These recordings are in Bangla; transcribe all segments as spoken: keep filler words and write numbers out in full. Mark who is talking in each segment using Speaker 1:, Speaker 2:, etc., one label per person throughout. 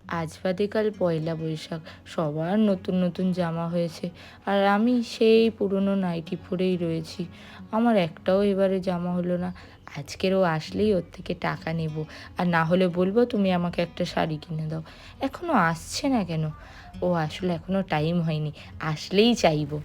Speaker 1: আজ বাদে কাল পয়লা বৈশাখ, সবার নতুন নতুন জামা হয়েছে, আর আমি সেই পুরনো নাইটি পরেই রয়েছি। আমার একটাও এবারে জামা হলো না। আজকের ও আসলেই ওর থেকে টাকা নেব, আর না হলে বলবো তুমি আমাকে একটা শাড়ি কিনে দাও। এখনও আসছে না কেন? ও আসলে এখনও টাইম হয়নি, আসলেই চাইবো।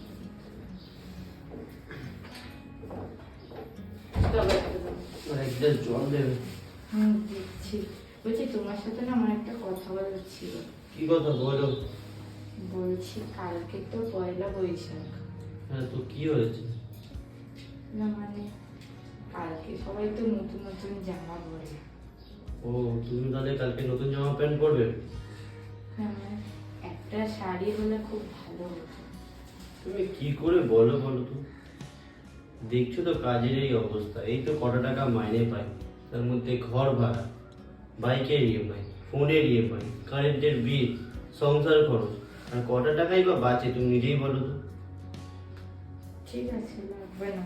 Speaker 2: জল দেবে।
Speaker 1: হুম, দিচ্ছি। বলছি তোমার সাথে না আমার একটা কথা বলার ছিল।
Speaker 2: কি কথা বলো?
Speaker 1: বলছি কালকে তো পয়লা বৈশাখ।
Speaker 2: হ্যাঁ, তো কি হয়েছে?
Speaker 1: না মানে কালকে সবাই তো নতুন নতুন জামা পরে।
Speaker 2: ও, তুমি তাহলে কালকে নতুন জামা প্যান্ট পরবে?
Speaker 1: হ্যাঁ, মানে একটা শাড়ি হলে খুব ভালো হতো।
Speaker 2: তুমি কি করে বলো বলো তো? দেখছো তো কাজের এই অবস্থা, এই তো কটা টাকা মাইনে পাই, তার মধ্যে ঘর ভাড়া, বাইকের ইএমআই, ফোনের ইএমআই, কারেন্টের বিল, সংসার খরচ, আর কটা টাকাই বা বাঁচে তুমি নিজেই বলো তো?
Speaker 1: ঠিক আছে, লাগবে না।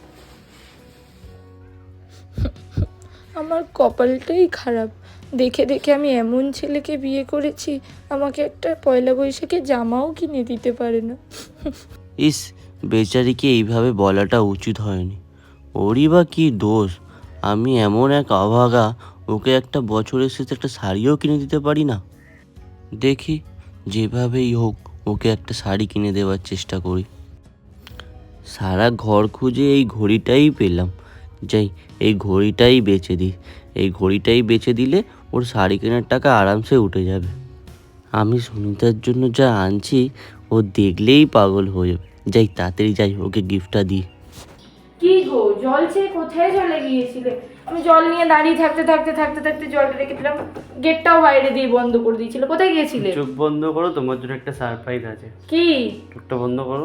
Speaker 1: আমার কপালটাই খারাপ, দেখে দেখে আমি এমন ছেলেকে বিয়ে করেছি, আমাকে একটা পয়লা বৈশাখে জামাও কিনে দিতে পারে না।
Speaker 3: ইস, বেচারিকে এইভাবে বলাটা উচিত হয়নি। ওরই বা কী দোষ? আমি এমন এক অভাগা, ওকে একটা বছরের শেষে একটা শাড়িও কিনে দিতে পারি না। দেখি যেভাবেই হোক ওকে একটা শাড়ি কিনে দেওয়ার চেষ্টা করি। সারা ঘর খুঁজে এই ঘড়িটাই পেলাম। যাই, এই ঘড়িটাই বেচে দিই। এই ঘড়িটাই বেচে দিলে ওর শাড়ি কেনার টাকা আরামসে উঠে যাবে। আমি সুনিতার জন্য যা আনছি ও দেখলেই পাগল হয়ে যাবে। যাই, তাড়াতাড়ি যাই, ওকে গিফটটা দিই।
Speaker 1: কি গো, জল চেয়ে কোথায় চলে গিয়েছিলে? আমি জল নিয়ে দাঁড়িয়ে থাকতে থাকতে থাকতে থাকতে জলটা রেখে দিলাম, গেটটাও বাইরে দিয়ে বন্ধ করে দিয়েছিল। কোথায় গিয়েছিলে?
Speaker 2: চোখ বন্ধ করো, তোমার জন্য একটা সারপ্রাইজ আছে।
Speaker 1: কি?
Speaker 2: চোখটা বন্ধ করো।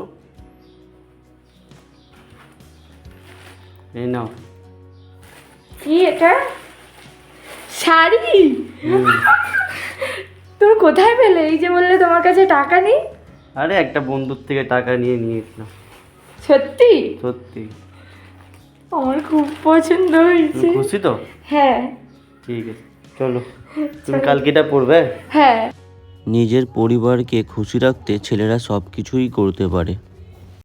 Speaker 2: এই নাও।
Speaker 1: কি এটা? শাড়ি? তুমি কোথায় পেলে? এই যে বললে তোমার কাছে টাকা নেই।
Speaker 2: আরে একটা বন্ধুর থেকে টাকা নিয়ে নিয়েছিলাম।
Speaker 1: সত্যি?
Speaker 2: সত্যি।
Speaker 1: আমার খুব পছন্দ হয়েছে।
Speaker 2: খুশি তো?
Speaker 1: হ্যাঁ।
Speaker 2: ঠিক আছে, চলো। তুমি কালকে এটা পরবে?
Speaker 1: হ্যাঁ।
Speaker 3: নিজের পরিবারকে খুশি রাখতে ছেলেরা সব কিছুই করতে পারে।